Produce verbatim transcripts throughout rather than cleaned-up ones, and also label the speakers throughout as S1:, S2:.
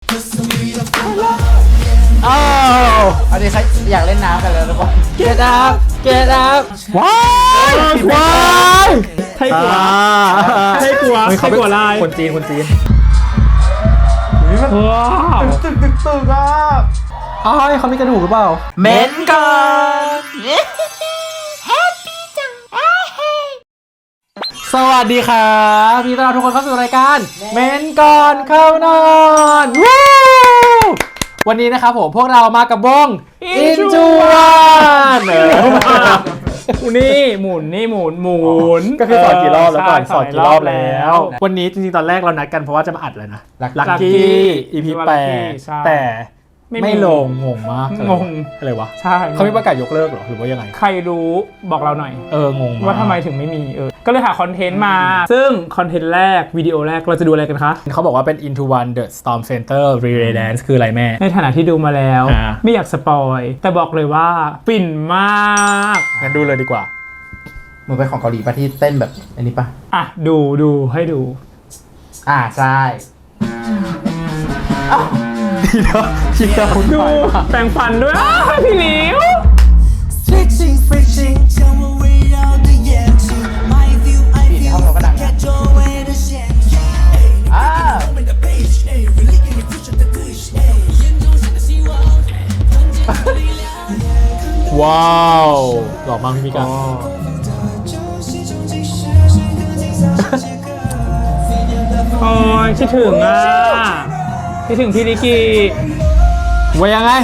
S1: อ้าวอันนี้ใครอยากเล่นน้ำกันแล้วหรือเปล่า Get up Get up ว้ายว้าย
S2: ไทยกลัวไทยกลัวไทยกลัวลาย
S1: คนจีนคนจีน
S2: ว้าว
S1: ตึกตึกตึกอ่ะอ้าวเขามีกระดูกหรือเปล่าเม้นก่อนแฮปปี้จังสวัสดีครับพี่ต้อนรับทุกคนเข้าสู่รายการเม้นก่อนเข้านอนวู้วันนี้นะครับผมพวกเรามากับวง Into One
S2: นี่หมุนนี่หมุนหมุน
S1: ก็คือสอนกี่รอบแล้วก่อนสอนกี่รอบแล้ววันนี้จริงๆตอนแรกเรานัดกันเพราะว่าจะมาอัดเลยนะลักกี้ อี พี แปดแต่ไม่ลงงงมาก
S2: งง
S1: อะไรวะ
S2: ใช่
S1: เขาไม่ประกาศยกเลิกหรอหรือว่ายังไง
S2: ใครรู้บอกเราหน่อย
S1: เอองง
S2: ว่าทำไมถึงไม่มีเออก็เลยหาคอนเทนต์มาซึ่งคอนเทนต์แรกวิดีโอแรกเราจะดูอะไรกันคะ
S1: เขาบอกว่าเป็น Into One The Storm Center Relay Dance คืออะไรแม่
S2: ในฐานะที่ดูมาแล้วไม่อยากสปอยแต่บอกเลยว่าฟินมาก
S1: งั้นดูเลยดีกว่ามันเป็นของเกาหลีป่ะที่เต้นแบบอันนี้ป่ะ
S2: อ่ะดูดูให้ดู
S1: อ่าใช่ทีเดียวทีเดียว
S2: ดูแปรงฟันด้วยพี่หลิว
S1: ห้องเราก็ดังอ่าว้าวหล่อมากพี่มิกา
S2: โอ้ยคิดถึงอ่ะคิดถึงพี่นิกิ
S1: ว่ายังไง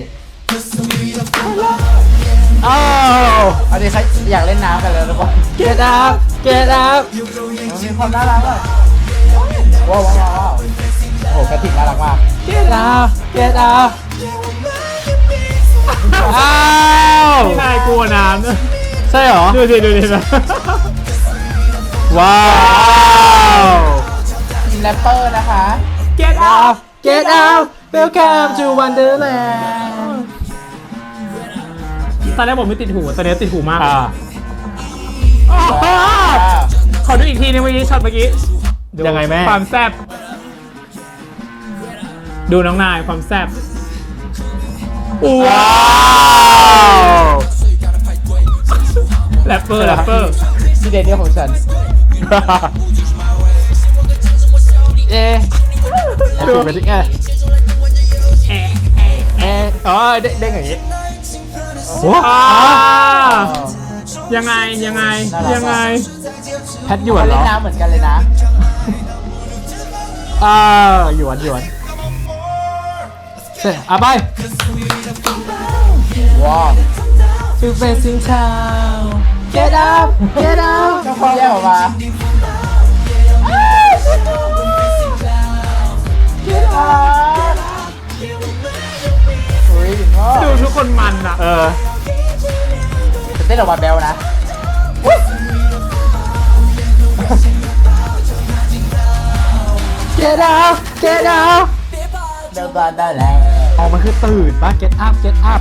S1: อ้าวอันนี้ใครอยากเล่นน้ำกันแล้วหรือเปล่า Get up Get up มีความน่ารักอ่ะว้าวว้าวว้าวโอ้โหกระติกน่ารักมาก Get up Get up อ้าว
S2: ไม่ได้กลัวน้ำ
S1: ใช่หรอ
S2: ดูสิดูสิ
S1: ว้าวทีมแรปเปอร์นะคะ
S2: Get up
S1: Get up Welcome to Wonderland
S2: ตอนแรกผมไม่ติดหูตอนนี้ติดหูมากขอดูอีกทีนึงเมื่อกี้ช็อตเมื่อกี้
S1: ยังไงแม่
S2: ความแซ่บดูน้องนายความแซ่บว้าวแรปเปอร์แรปเปอร์
S1: ที่เด่นเดียวของฉันเอ๊ะดูไปที่แง่เอ๊ะเอ๊ะอ๋อเด้งอย่างนี้
S2: ว้ายังไงยังไงยังไง
S1: แพทหยวนเหรอเล่นน้ำเหมือนกันเลยนะอ่าหยวนหยวนเสร็จอ่ะไปว้าวTo facing town Get up Get up เจ้าพ่อแย่ออกมา
S2: ดูทุกคนมันอ่ะ
S1: เออจะเต้นออกมาแบลนะGet up Get up เดินมาได้แล้วอ๋อมันคือตื่นป่ะ Get up Get up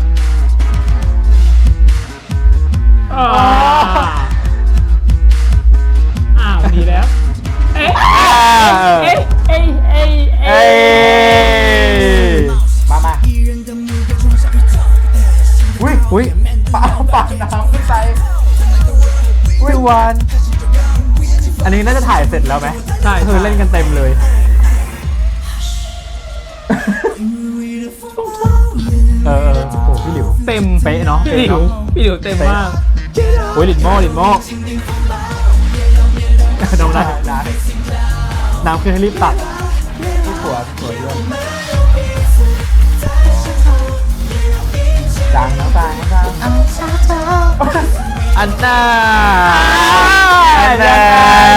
S2: อ้าวดีแล้วเอ๊ะเอ๊ะเอ๊ะเอ๊ะเอ๊
S1: ะมามาอุ้ยอุ้ยปาปาน้ำขึ้นไปอุ้ยวันอันนี้น่าจะถ่ายเสร็จแล้วไหม
S2: ใช่
S1: คือเล่นกันเต็มเลยเออโอ้พี่หลิว
S2: เต็ม
S1: เป๊ะเนาะ
S2: พี่หลิวพี่หลิวเต็มมาก
S1: โอ้ยลินโม่ลินโม่น้ำน้ำน้ำคือให้รีบตัดที่หัวสวยด้วยจังนะจังจังอันน่าอันน่า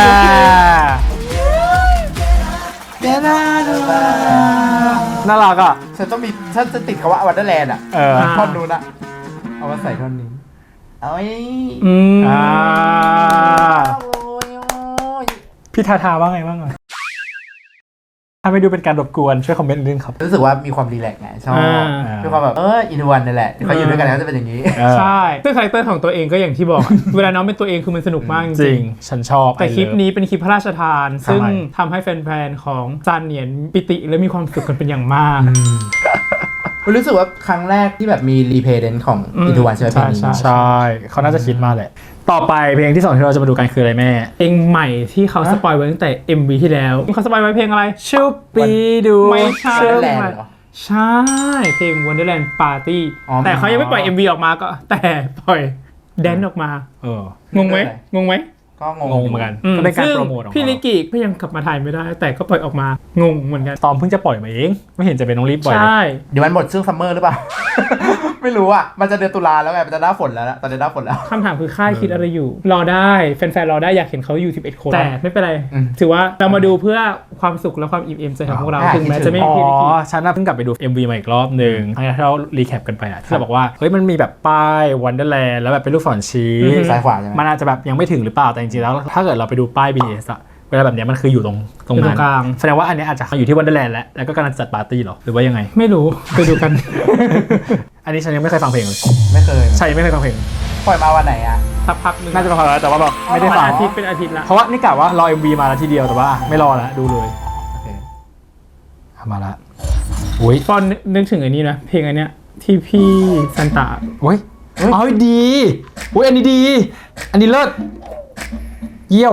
S1: น่ารักอ่ะฉันต้องมีฉันจะติดคำว่าวันเดอร์แลนด์อ่ะเออท่อนนู้นอ่ะเอามาใส่ท่อนนี้เอาไอ้
S2: อืม
S1: อ่า
S2: พี่ทาทาว่าไงบ้างอ่ะท
S3: ถ้าไม่ดูเป็นการรบกวนช่วยคอมเมนต์นิดนึงครับ
S1: รู้สึกว่ามีความรีแลกซ์ไงชอบ
S2: อ่า
S1: มีความแบบเอออินวันนี่แหละเขาอยู่ด้วยกันแล้วจะเป็นอย่างนี้
S3: เออ
S2: ใช่ซึ่งคาแรคเตอร์ของตัวเองก็อย่างที่บอก เวลาน้องเป็นตัวเองคือมันสนุกมากจ
S3: จริ
S2: ริ
S3: ง
S2: ง
S3: ฉันชอบ
S2: แต่คลิปนี้เป็นคลิปพระราชทาน
S3: ทำไม
S2: ซึ่งทำให้แฟนๆของจานเหนียนปิติและมีความสุขกันเป็นอย่างมาก
S1: รู้สึกว่าครั้งแรกที่แบบมีรีเพย์เดนของ
S2: อืม
S1: อินวันใช่ไหมเพลงนี้
S2: ใช่
S3: ใช่เขาน่าจะคิดมาแหละ ต่อไปเพลงที่สองที่เราจะมาดูกันคืออะไรแม่
S2: เพลงใหม่ที่เขาสปอยไว้ตั้งแต่ เอ็ม วี ที่แล้วเขาสปอยไว้เพลงอะไร
S3: ชุบปีดู
S2: ไม่ใช่
S1: เชื่อแลนด์เหรอ
S2: ใช่ เพลง Wonderland Party
S1: อ๋อ
S2: แต่เขายังไม่ปล่อย เอ็ม วี ออกมาก็ แต่ปล่อยแดนออกมา
S3: เออ
S2: งงไหมงงไหม
S1: ก็งง
S3: งงเหมือนกัน
S2: อืม
S3: ก็เป็นการ
S2: ซึ่ง
S3: โปรโมทของ
S2: พี่ลิ
S3: เขา
S2: กิก็ยังกลับมาถ่ายไม่ได้ แต่ก็ปล่อยออกมางงเหมือนกัน
S3: ตอมเพิ่งจะปล่อยมาเองไม่เห็นจะเป็นต้องรีบปล่อย
S2: ใช่
S1: เดี๋ยวมันหมดช่วงซัมเมอร์หรือเปล่า ไม่รู้อ่ะ มันจะเดือนตุลาแล้วไง มันจะหน้าฝนแล้วนะตอนนี้หน้าฝนแล้ว
S2: คำถามคือค่ายคิดอะไรอยู่ รอได้แฟนๆรอได้อยากเห็นเขาอยู่สิบเอ็ดคนแต่ไม่เป็นไร
S1: อืม
S2: ถือว่าเรามาดูเพื่อความสุขและความอิ่มเอมใจของพวกเรา
S1: อ่า
S2: ถึงแม้จะไม่
S3: อ๋
S2: มี
S3: อ
S2: พี่ลิกิ
S3: ฉันน่ะเพิ่งกลับไปดู เอ็ม วี มาอีกรอบหนึ่งครั้งที่เรารีแคปกันไปอะที่เราบอกว่าเฮ้ยมันมีแบบป้าย Wonderland แล้วแบบเป็นลูกศรชี้
S2: อือฮึ
S1: ซ้ายขวาใช่ไหม
S3: มันอาจจะแบบยังไม่ถึงหรือเปล่าแต่จริงๆแล้วถ้าเกิดเราไปดูป้าย บี ที เอส อะเวลาแบบเนี้ยมันคืออยู่ตรงตรง
S2: อยู่ตร
S3: นั้น
S2: งกลาง
S3: แสดงว่าอันเนี้ยอาจจะอยู่ที่ Wonderland แล้วแล้วก็กำลังจัดปาร์ตี้เหรอหรือว่ายังไง
S2: ไม่รู้ไปดูกัน
S3: อันนี้ฉันยังไม่เคยฟังเพลงเลย
S1: ไม่เคย
S3: ใช่ไม่เคยฟังเพลง
S1: ปล่อยมาวันไหนอ่ะ
S2: สักพักหนึง
S3: น่าจะฟังแล้วแต่ว่าแบบไม่ได้
S2: มัน
S3: ฟัง
S2: อาทิตย์เป็นอาทิตย์ละ
S3: เพราะว่านี่กะว่ารอ เอ็ม วี มาแล้วทีเดียวแต่ว่าไม่รอแล้วดูเลย
S1: โอเค
S3: เอามาละอุ้ย
S2: ฟอนนึกถึงอันนี้นะเพลงอันเนี้ยที่พี่ซันตา
S3: เฮ้ยเอ้ยดีอุ้ยอันนี้ดี อันนี้เลิศเยี่ยว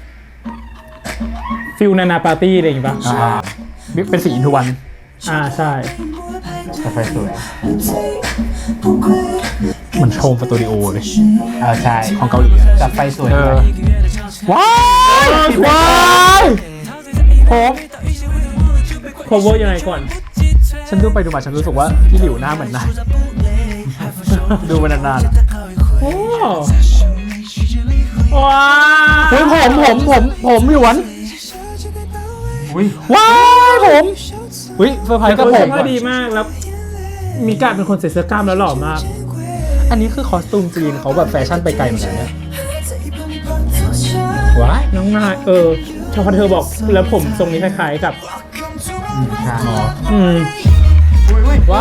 S2: ฟิลนานาปาร์ตี้อะไรอย่างงี้ปะ
S3: อ่าเป็นสีอินทวัน
S2: อ่าใช่
S1: แต่ไฟสวย
S3: เหมือนโชว์สตูดิโอเลย
S1: เออใช่
S3: ของเกาหลีอะ
S1: จับไฟสวย
S3: เอ
S1: ด้
S3: อ
S1: วย
S3: ว้ายว้ายผม
S2: โคเวอร์ยังไงก่อน
S3: ฉันดูไปดูมาฉันรู้สึกว่าพี่หลิวหน้าเหมือนนายดูมานาน
S2: โอ้ว้า
S3: ๆเฮ้ยผมผมผมผมหยวน
S1: อุ้ย
S3: ว้ายผมอุ้ยเซอร์ไพร
S2: แต่
S3: ส์กับ
S2: เขา
S3: ผ
S2: เสื้
S3: ม
S2: อผ้าดีมากแล้ว มีการเป็นคนใส่เสื้อกล้ามแล้วหล่อมาก
S3: อันนี้คือคอสตูมจีนเขาแบบแฟชั่นไปไกลเหมือนกันเนี่ยว้าย
S2: น้องนายเออชอบเธอบอกแล้วผมทรงนี้คล้ายๆกับ
S1: ใช่
S3: อ๋อ
S2: อืม
S1: อุ้ยอุ้ย
S2: ว้า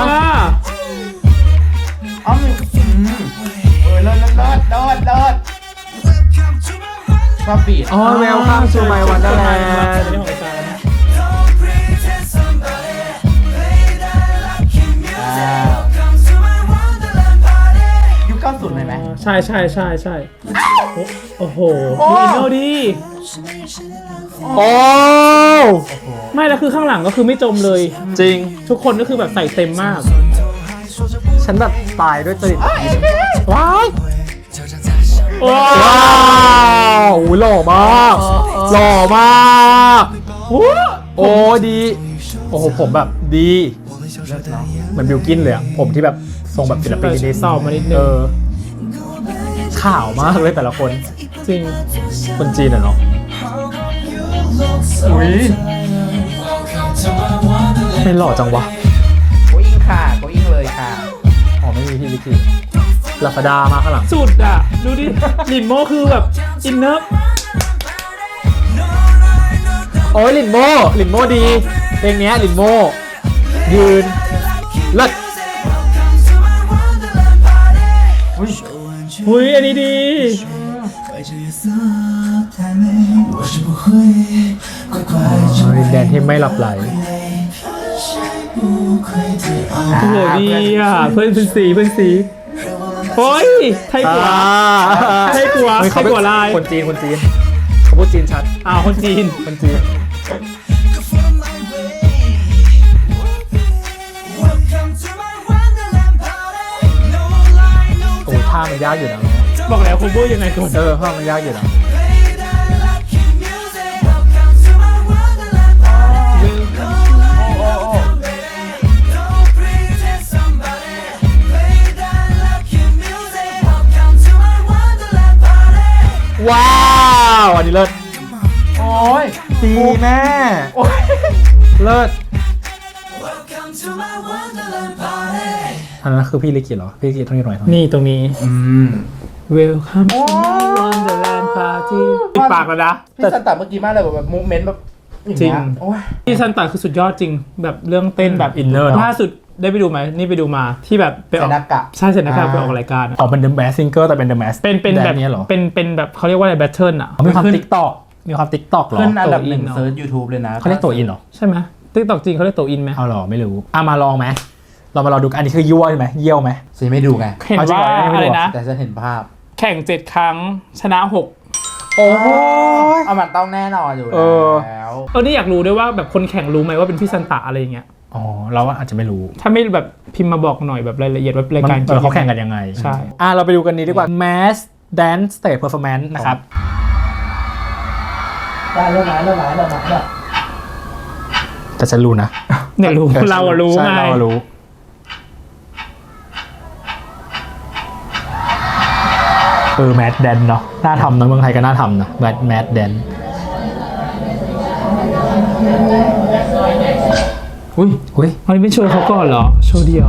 S1: อ๋อมีอืมเออเลิศเลิศเลิศเลิศเลิศชอบบีด
S3: อ๋อแววข้ามสู่ไมวันเดอร์แลนด์
S1: อ่ายุคเก้าสิบเลยไหม
S2: ใช่ใช่ใช่ใช่โอ้โอ้โห
S1: โอ้
S2: ดูอินโนดี
S3: โอ้
S2: ไม่แล้วคือข้างหลังก็คือไม่จมเลย
S3: จริง
S2: ทุกคนก็คือแบบใส่เต็มมาก
S3: ฉันแบบตายด้วยจริตว้าย
S2: ว้า
S3: ว้าวโอ้ยหล่อมาก หล่อมาก
S2: โอ้
S3: โอ้ดี โอ้โหผมแบบดี เหมือนบิลกินเลยอะผมที่แบบทรงแบบศิลปิน
S2: แต่
S3: นิด
S2: สอบมานิดนึ
S3: เอง อข่าวมากเลยแต่ละคน
S2: จริง
S3: คนจีนอะเนาะ
S1: อุ้ย
S3: ไม่หล่อจังวะ
S1: โกอิงค่ะโกอิงเลยค่ะ
S3: อ๋อไม่มีที่ลิขิตลาฟาดามาข้างหลัง
S2: สุดอ่ะ ดูดิลินโมคือแบบอินเนอร์
S3: โอ้ยลินโมลินโมดีเพลงเนี้ยลินโมยืนเลิศ
S1: อุ้ย
S2: หุยอันนี้ดี
S3: ดินแดนที่ไม่หลับไหล
S2: โอ้โหดีอ่ะ เพื่อนเป็นสีเพื่อนสีโอ้ยไทยกัว ไทยกัว
S3: เฮ้ย
S2: ไทยกัวลาย
S3: คนจีนคนจีนเขาพูดจีนชัด
S2: อ้าวคนจีน
S3: คนจีนโอ้ท่ามันยากอยู่นะ
S2: บอกแล้วคุณบูยังไงก่อน
S3: เออท่ามันยากอยู่นะ ว้าวอันนี้เลิศ
S1: โอ้ย
S3: ดีแม่
S1: โอ้ย
S3: เลิศอันนั้นคือพี่ลิขิตเหรอ พี่ลิขิตต้องยืนหน่อยเท่านี้
S2: นี่ตรงนี้
S1: อืม
S2: Welcome to my Wonderland Party ปิดปากแล้วนะ
S1: พี่สันตาเมื่อกี้มากเลยแบบมูเมนต์แบบอย่าง
S3: จริ
S1: เงี้
S3: ง
S1: ยโอ้ย
S3: พี่ซันตาคือสุดยอดจริงแบบเรื่องเต้นแบบ
S2: อินเนอร์เนอะ
S3: ล่าสุดได้ไปดูไหมนี่ไปดูมาที่แบบไปอ
S1: ใส่
S3: อก
S1: หน้ากาก
S3: ใช่เสร็จนะครับไปออกรายการอะ
S2: ออกเป็น The Mask Singer แต่เป็น The Mask
S3: เป็นเป็นแบบ
S2: เนี้ยเหรอ
S3: เป็นเป็นแบบเขาเรียกว่าอะไรแบทเทิลอะ
S2: มีความ TikTok มีความ TikTok เหรอ
S1: ขึ้นอันดับหนึ่ง
S3: ตัวอินเนอะ
S1: เซิร์ช YouTube เลยนะ
S2: เขาเรียกตัวอินเหรอ
S3: ใช่ไหมติ๊กตอกจริงเขาเรียกตัวอินไหม
S2: เอาเหรอไม่รู้อ่ะมาลองไหมเรามาลองดูกันอันนี้คือยั่วใช่ไหมเยี่ยวไหม
S1: ฉันไม่ดูไง
S3: เห็น
S2: เอาจริง
S3: ว่า
S2: เหรอไม่รู้
S3: อะไรนะ
S1: แต่ฉันเห็นภาพ
S3: แข่งเจ็ดครั้งชนะหก
S2: โอ้ย
S1: เอามันต้องแน่นอนอยู่
S2: เออ
S1: แล้ว
S3: เออนี่อยากรู้ด้วยว่าแบบคนแข่งรู้ไหมว่าเป็นพี่ซันตาอะไรอย่างเงี้ย
S2: อ๋อเราว่าอาจจะไม่รู้
S3: ถ้าไม่แบบพิมพ์มาบอกหน่อยแบบรายละเอียดว่ารายการ
S2: มันเออเขาแข่งกันยังไง
S3: ใช่
S2: อ่ะเราไปดูกันนี้ดีกว่า Mask Dance Stage Performance นะครับ
S1: ได้เริ่มไหมเริ่มไหมเริ่มไหมเริ่ม
S2: แต่ฉันรู้นะ
S3: เนี่ยรู้
S2: ออ
S3: เราอะรู้
S2: ใช่
S3: ไง
S2: เราอะรู้ เออแมดแดนเนาะน่าทำนะเมืองไทยก็น่าทำนะแมดแมดแดนอุ้ยอุ้ย
S3: อันนี้เป็นโชว์เขาก่อนเหรอโชว์เดียว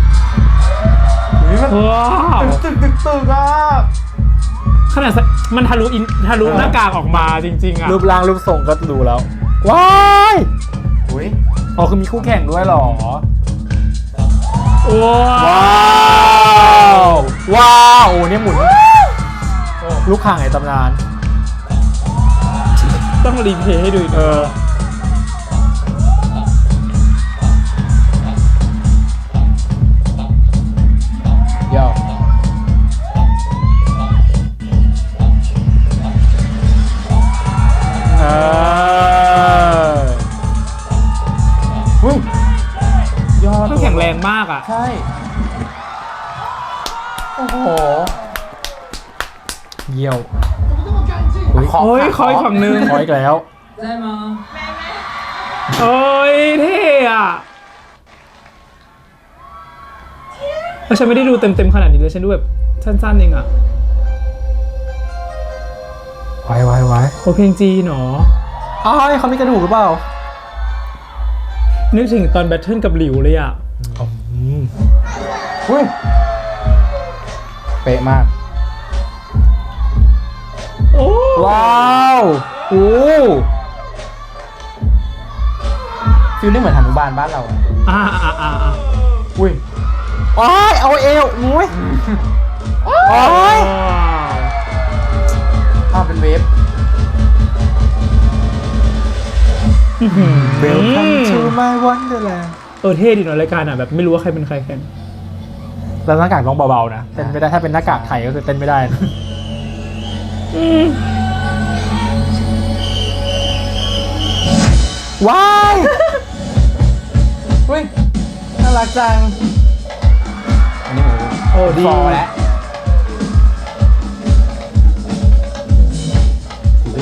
S1: นี่มัน
S3: ว้าว
S1: ตึกตึกตึกอ่ะ
S3: ขนาดมันทะลุอินทะลุหน้ากากออกมาจริงๆอะ
S2: รูปร่างรูปทรงก็ดูแล้ว ว้าย
S1: อุ้ย
S2: อ๋อคือมีคู่แข่งด้วยเหรอ
S3: ว้า
S2: ว้าว วว้าวโอ้เนี่ยหมุนลูกข่างไอ้ตำนาน
S3: ต้องรีเพลย์ให้ดูอีก
S2: เออ
S1: เดี๋ยว
S2: เออ
S1: อุ้ยยอด
S3: ต้องแข็งแรงมากอะ
S1: ใช่โอ้โห
S2: เยี่ยว
S1: ขอ
S3: โอ้ยคอยฝั่งนึง
S2: ขออีกแล้ว
S3: โอ้ยเท่อะแล้วฉันไม่ได้ดูเต็มๆขนาดนี้เลยฉันดูแบบสั้นๆเองอะ
S2: ไว้ไว้ไว้
S3: โอเพลงจีนเหรอ
S2: อ้าวเขามีกระดูกหรือเปล่า
S3: นึกถึงตอนแบทเทิลกับหลิวเลยอะ
S2: อืม
S1: อุ้ยเป๊ะมาก
S3: โอ้
S2: ว้าวโอ้
S1: ฟิลนี่เหมือนหนุบาลบ้านเรา
S3: อ่าอ่าอ่าอ่า
S1: อุ้ย
S2: ว้ายเอาเอวมุ้ยโอ้ย
S1: ภาพเป็นเวฟ
S2: Welcome to my wonderland
S3: เออเท่ดีเนาะรายการอ่ะแบบไม่รู้ว่าใครเป็นใครแข่ง
S2: แล้วหน้ากากต้องเบาๆนะเต้นไม่ได้ถ้าเป็นหน้ากากไทยก็คือเต้นไม่ได้นะว้าย
S1: อุ้ยน่ารักจัง อันนี้หมู
S3: โอ้ดี
S1: ฟอแล้วอุ๊ย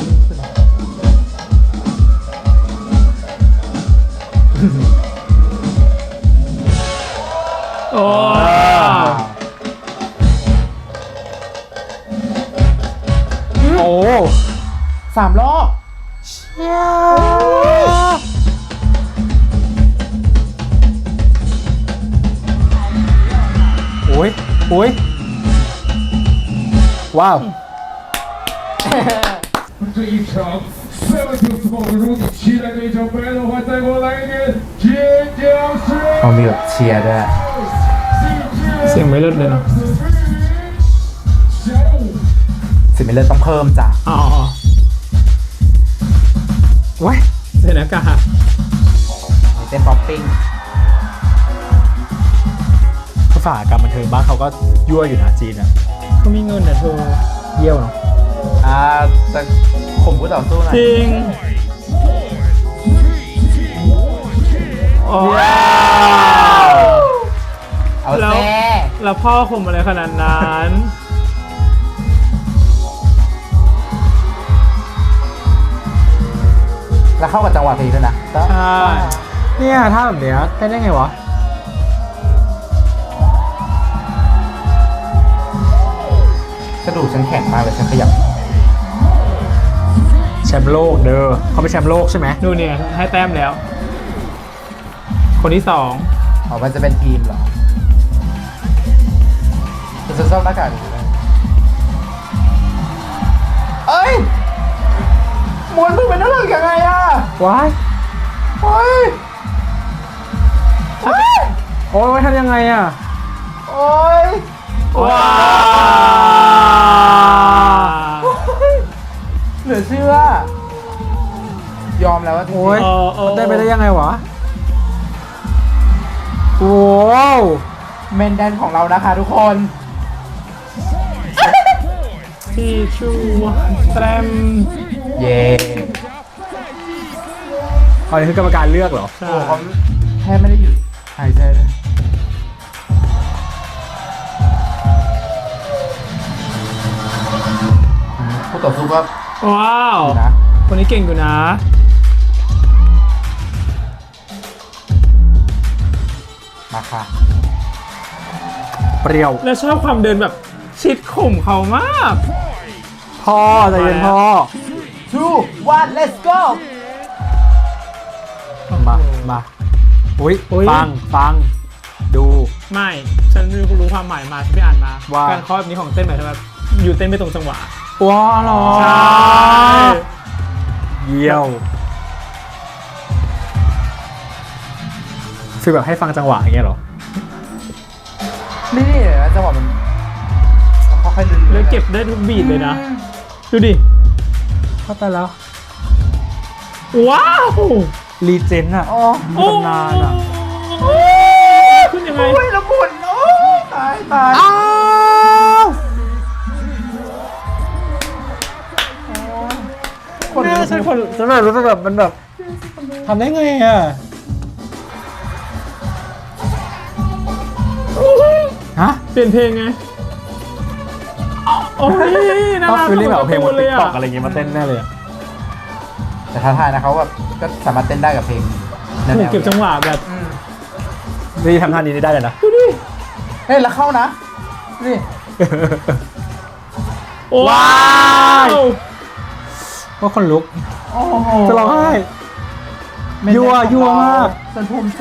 S3: โอ้
S2: โอ้
S1: สามรอบ
S2: โอ้ยโอ้ยว้าว
S4: 这一场赛文球斯堡如你期待的一场白的话，再给我来一点尖叫声！
S1: เขามีแบบเชียร์ด้วย
S3: เสียงไม่เลิศเลยเนาะ
S4: 小五，
S1: สิมิเลอร์ต้องเพิ่มจ้ะ
S3: อ๋อ
S2: ว้าย
S3: ใส่หน้ากาก
S1: มีเต้นป๊อปปิ้ง
S2: ภาษากรรมบันเทิงบ้านเขาก็ยั่วอยู่นะจีนอะ
S3: เขามีเงินนะเธอ
S2: เยี่ยวเนาะ
S1: อ่าจะข่มผู้ต่อสู้หน่อย
S3: จริงอ๋อ
S1: เอา
S3: แล้ว
S1: แซ่
S3: แล้วพ่อข่มอะไรขนาดนั้น
S1: แล้วเข้ากับจังหวะเพลงด้วยนะ
S3: ใช่
S2: เนี่ยถ้าแบบเนี้ยเต้นได้ไงวะ
S1: กระดูกฉันแข็งมากเลยฉันขยับ
S2: แชมป์โลกเด้อเขาเป็นแชมป์โลกใช่ไหม
S3: ดูเนี่ยให้แต้มแล้ว คนที่สอง
S1: อ๋อมันจะเป็นทีมเหรอจะชอบหน้ากากนี้เลยเอ้ย
S3: โ
S1: มวนมึงเป็นนักเล่นยังไงอ่ะ
S2: ว้าย
S1: โอ้ยโอ้ย
S2: โอ้ยทำยังไงอ่ะ
S1: โอ้ย
S2: ว้า
S1: เหลือเชื่อ ยอมแล้วว่าจริง
S2: โอ้ย
S3: เออเออ
S2: ได้ไปได้ยังไงวะโอ้ว
S1: เมนแดนของเรานะคะทุกคน
S3: ที่ชูแตรม
S1: เย่
S2: อันนี้คือกรรมการเลือกเหรอ
S3: ใช่
S1: โอ้เขาแทบไม่ได้หยุดหายใจเลยผู้ต่อสู้ก็
S3: ว้าว
S1: ดีนะ
S3: คนนี้เก่งอยู่นะ
S1: มาค่ะ
S2: เปรี้ยว
S3: แล้วชอบความเดินแบบชิดข่มเขามาก
S2: พ่อใจเย็นพ่อ
S1: two one let's go
S2: มา มาอุ้ย
S3: อุ๊ย
S2: ฟัง ฟัง ดู
S3: ไม่ ฉันรู้ความหมายมาฉันไปอ่านมา
S2: ว่า
S3: การเคาะแบบนี้ของเต้นหมายถึงแบบอยู่เต้นไม่ตรงจังหวะ
S2: ว้าวเหรอ
S3: ใช่
S2: เยี่ยวฟีลแบบให้ฟังจังหวะอย่างเงี้ยเหรอ
S1: นี่นี่นะจังหวะมันเขาค่อยๆดึง
S3: แล้วเก็บได้ทุกบีทเลยนะ ดูดิ
S2: เข้าใจแล้ว
S3: ว้าว
S2: รีเจนอะ
S1: อ๋อ
S2: มีตำนานอะ
S3: โอ้ขึ้นยังไง
S1: โอ้ยละมุนโอ้ยตายตาย
S2: อ้าว
S1: คน
S2: เนี่ยฉันคนฉันแบบรู้สึกแบบมันแบบทำได้ไงอะ ฮะ
S3: เปลี่ยนเพลงไงโอ้ยน่า
S2: ต้อง
S3: รัก
S2: ฟีลลิ่งแบบเอาเพลงบน
S3: เล
S2: ติ๊
S3: ย
S2: กต็อก
S3: อะ
S2: อะไรอย่างเงี้ยมาเต้นแน่เลยอะ
S1: แต่ท้าทายนะเขาแบบก็สามารถเต้นได้กับเพลงแนว
S3: ถูก
S1: ๆ
S3: เก็บจังหวะแบบ
S1: อืม
S2: นี่ทำท่านี้ได้เลยนะ
S3: ดูดิ
S1: เฮ้ยแล้วเข้านะนี่
S3: ว้าว
S2: ว่าคนลุก
S1: โอ้โห
S2: จะร้องไห้ ยั่วยั่วมาก
S1: ฉันภูมิใจ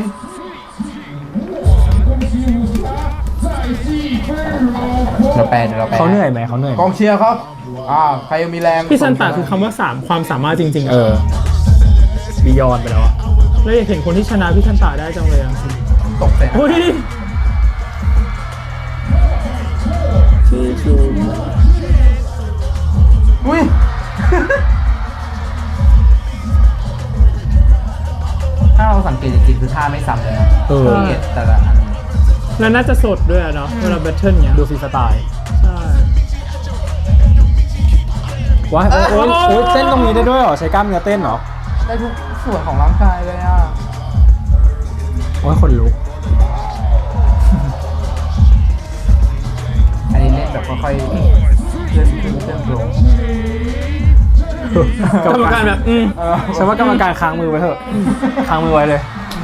S1: เราแปลเดี๋ยวเราแปล
S2: เขาเหนื่อยไหมเขาเหนื่อยไหม
S1: กองเชียร์ครับอ่าใครยังมีแรง
S3: พี่ซันตาคือคำว่าสามความสามารถจริงๆ
S2: เออบียอนไปแล้วอะ
S3: แล้วอยากเห็นคนที่ชนะพี่ซันตาได้จังเลยอ่ะ
S1: ตกเสร็จ
S3: โอ้ย
S1: อุ้ย ถ้าเราสังเกตจริงๆคือท่าไม่ซ้ำเลยนะ
S2: เออ
S1: สังเกตแต่ละอัน
S3: แล้วน่าจะสดด้วยอะเนาะเวลาแบทเทิลเนี้ย
S2: ดูฟรีสไตล์
S3: ใช่
S2: ว้ายโอ้ยโอ้ยโอ้ยเต้นตรงนี้ได้ด้วยเหรอ ใช้กล้ามเนื้อเต้นเหรอ
S1: ได้ทุกส่วนของร่างกายเลยอ่ะ
S2: โอ้ยคนลุก
S1: อันนี้เล่นแบบค่อยๆเคลื่อนขึ้นเคลื่อนลง
S3: กรรมการแบบอืม
S1: เออ
S2: ฉันว่ากรรมการค้างมือไว้เถอะ ค้างมือไว้เลย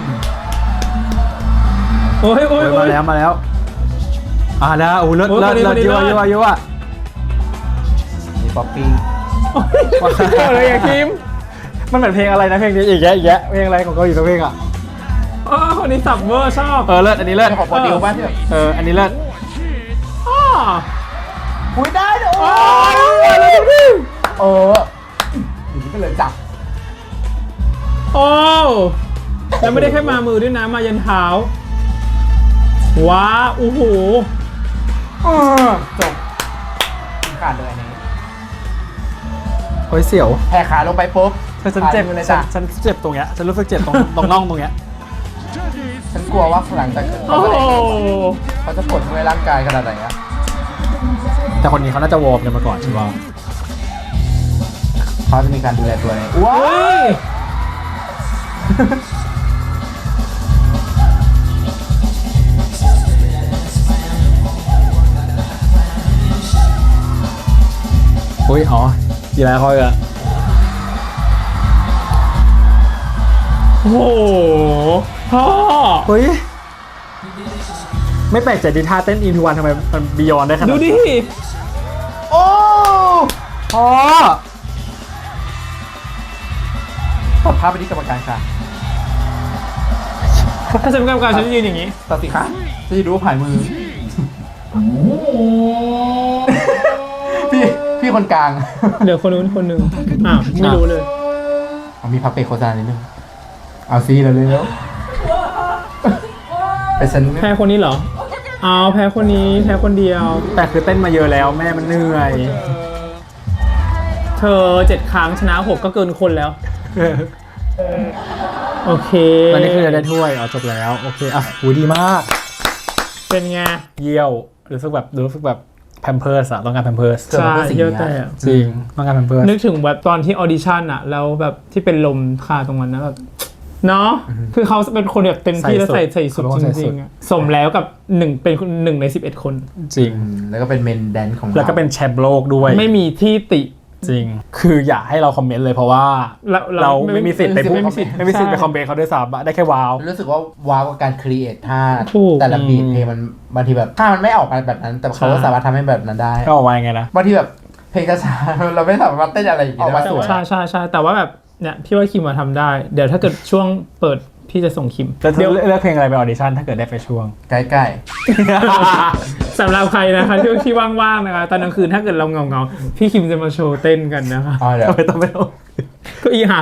S3: โอ้ยโอ้
S2: โอ้
S3: ย
S2: ย
S3: โอ้
S2: มาย แล้วมาแล้ว อ่าแล้วโอ้ยเลิศ
S3: โอ้ย
S2: เลิศ
S3: คนนี้
S2: เลิศ
S3: คนนี้
S2: ยั่ว
S3: เลิศ
S2: ยั่วยั่ว
S1: มีป๊อปปี้
S3: โอ้ยเกี่ยวอะไรอะคิม
S2: มันเหมือนเพลงอะไรนะเพลงนี้อีกแยะอีกแยะเพลงอะไรของเกาหลีสักเพลงอ่ะ
S3: อ๋อคนนี้สับเวอร์ชอบ
S2: เออเลิศอันนี้เลิศ
S1: เรื่องของโปรดิวบ้านที่แบบ
S2: เอออันนี้เลิศ
S3: อ๋อ
S1: อุ้ยได้เด้อ
S3: โอ้
S1: โอ้
S3: ยแล้วดูดิ
S1: เอออย่างนี้ก็เลยจับ
S3: โอ้แล้วไม่ได้แค่มามือด้วยนะมายันเท้าว้าโอ้โห
S1: เออจบขาดเลยอันนี้
S2: โอ้ยเสียว
S1: แผ่ขาลงไปปุ๊บ
S2: ฉันฉันเจ็บ
S1: ขาดมือเลย
S2: ฉั
S1: จ้ะ
S2: นฉันเจ็บตรงเนี้ยฉันรู้สึกเจ็บตรงตรงน่องตรงเนี้ย
S1: ฉันกลัวว่าหลังจาก
S3: โอ้
S1: เขา
S3: โห
S1: เขาจะกดด้วยร่างกายขนาดไหนอะ
S2: แต่คนนี้เขาน่าจะวอร์มกันมาก่อนใช่ป่ะ
S1: เขาจะมีการดูแลตัวเองว้า
S3: เฮ้ย
S2: อุ้ยอ๋อกีฬาเขาอีกอะ
S3: โอ้โหพ่อ
S2: เฮ้ยไม่แปลกใจที่ท่าเต้นอินทูวันทำไมมันบียอนได้ขนาด
S3: ดู
S2: นั้น
S3: ดิ
S1: โอ้
S2: อ๋อ
S1: ตัดภาพไปที่กรรมการค่ะ
S3: ถ้าฉันเป็นกรรมการฉันจะยืนอย่างนี้
S1: ตัดสิคะจะดูว่าผ่านมือ พี่พี่มีคนกลาง
S3: เหลือคนนู้นคนหนึ่งอ้าวไม่รู้เลย
S1: เอามีพักเบรกโฆษณานิดนึงเอาซีเราเลยแล้วไปฉัน
S3: แพ้คนนี้เหรอเอาแพ้คนนี้แพ้คนเดียว
S2: แต่คือเต้นมาเยอะแล้วแม่มันเหนื่อย
S3: เธอเจ็ดครั้งชนะหกก็เกินคนแล้ว โอเค
S2: ตอนนี้คือจะได้ถ้วยอ๋อจบแล้วโอเคอ่ะหูดีมาก
S3: เป็นไง
S2: เยี่ยวรู้สึกแบบรู้สึกแบบแพมเพิร์สอะต้องการแพมเพิร์ส
S3: ใช่เยี่ยวแต่
S2: จริงต้องการแพมเพิร์ส
S3: นึกถึงแบบตอนที่ออดิชั่นอะแล้วแบบที่เป็นลมคาตรงนั้นนะแบบเนาะคือเขาเป็นคนแบบเต็มที่แล้วใส่ใส่สุดจริงๆอะสมแล้วกับหนึ่งเป็นหนึ่งในสิบเอ็ดคน
S2: จริง
S1: แล้วก็เป็นเมนแดนของ
S2: แล้วก็เป็นแชมป์โลกด้วย
S3: ไม่มีที่ติ
S2: จริง คืออยากให้เราคอมเมนต์เลยเพราะว่า
S3: เรา
S2: เราไม่มีสิทธิ์ไปพูด
S3: ไม่มีสิทธิ์
S2: ไม่มีสิทธิ์ไป
S3: ใช่
S2: คอมเมนต์เขาด้วยซ้ำอะได้แค่ว้าว
S1: รู้สึกว่าว้าวกับการครีเอทท่า
S3: ถูก
S1: แต่ละบีทเพลงมันบางทีแบบท่ามันไม่ออกมาแบบนั้น แต่เขาก็
S2: ใช่
S1: สามารถทำให้แบบนั้นได้
S2: ก็ออกมายังไงนะ
S1: บางทีแบบเพลงช้าๆ เราไม่สามารถเต้นอะไรอย่างนี้
S2: ออกมา
S1: ได้
S2: สวย
S3: ใช่ใช่ใช่แต่ว่าแบบเนี่ยพี่ว่าคิมมาทำได้ เดี๋ยวถ้าเกิดช่วงเปิดพี่จะส่งคิม
S2: แล้วจะ
S3: เดี๋ยว
S2: เลือกเพลงอะไรไปออดิชั่นถ้าเกิดได้ไปช่วง
S1: ใกล้
S3: สำหรับใครนะคะที่ที่ว่างๆนะคะตอนกลางคืนถ้าเกิดเราเงาๆพี่คิมจะมาโชว์เต้นกันนะคะ
S1: ๆอ๋อเดี๋ยว
S2: ไม่ต้องไม่ต้อง
S3: ก็อีหัก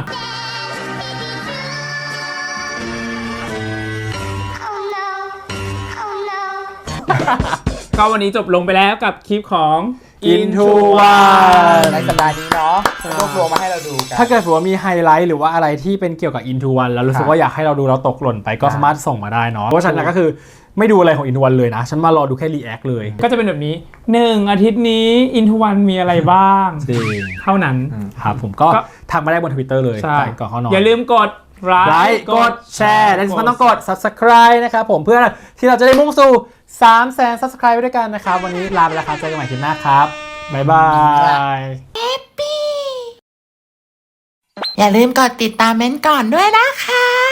S5: Oh no. Oh no.
S3: ก็วันนี้จบลงไปแล้วกับคลิปของ
S2: Into
S3: One
S1: ในสัปดาห์นี้เนาะรวบรวมมาให้เราดูกัน
S2: ถ้าเกิดว่ามีไฮไลท์หรือว่าอะไรที่เป็นเกี่ยวกับ Into One แล้วรู้สึกว่าอยากให้เราดูเราตกหล่นไปก็สามารถส่งมาได้เนาะเพราะฉันนะก็คือไม่ดูอะไรของ Into One เลยนะ ฉันมารอดูแค่รีแอคเลย
S3: ก็จะเป็นแบบนี้หนึ่งอาทิตย์นี้ Into One มีอะไรบ้าง
S2: จริง
S3: เท่านั้น
S2: ครับผมก็
S3: ก็
S2: ทักมาได้บน Twitter เลย
S3: ใช่
S2: ก่อนเข้านอน
S3: อย่าลืมกดไล
S2: ไล
S3: ค์
S2: ค์กดแชร์และที่สำคัญต้องกด Subscribe นะครับผมเพื่อที่เราจะได้มุ่งสู่ สามแสน Subscribe ไปด้วยกันนะครับ วันนี้ลาไปแล้วครับเจอกันใหม่คลิปหน้าครับ บ๊ายบาย
S5: อย่าลืมกดติดตามเม้นท์ก่อนด้วยนะคะ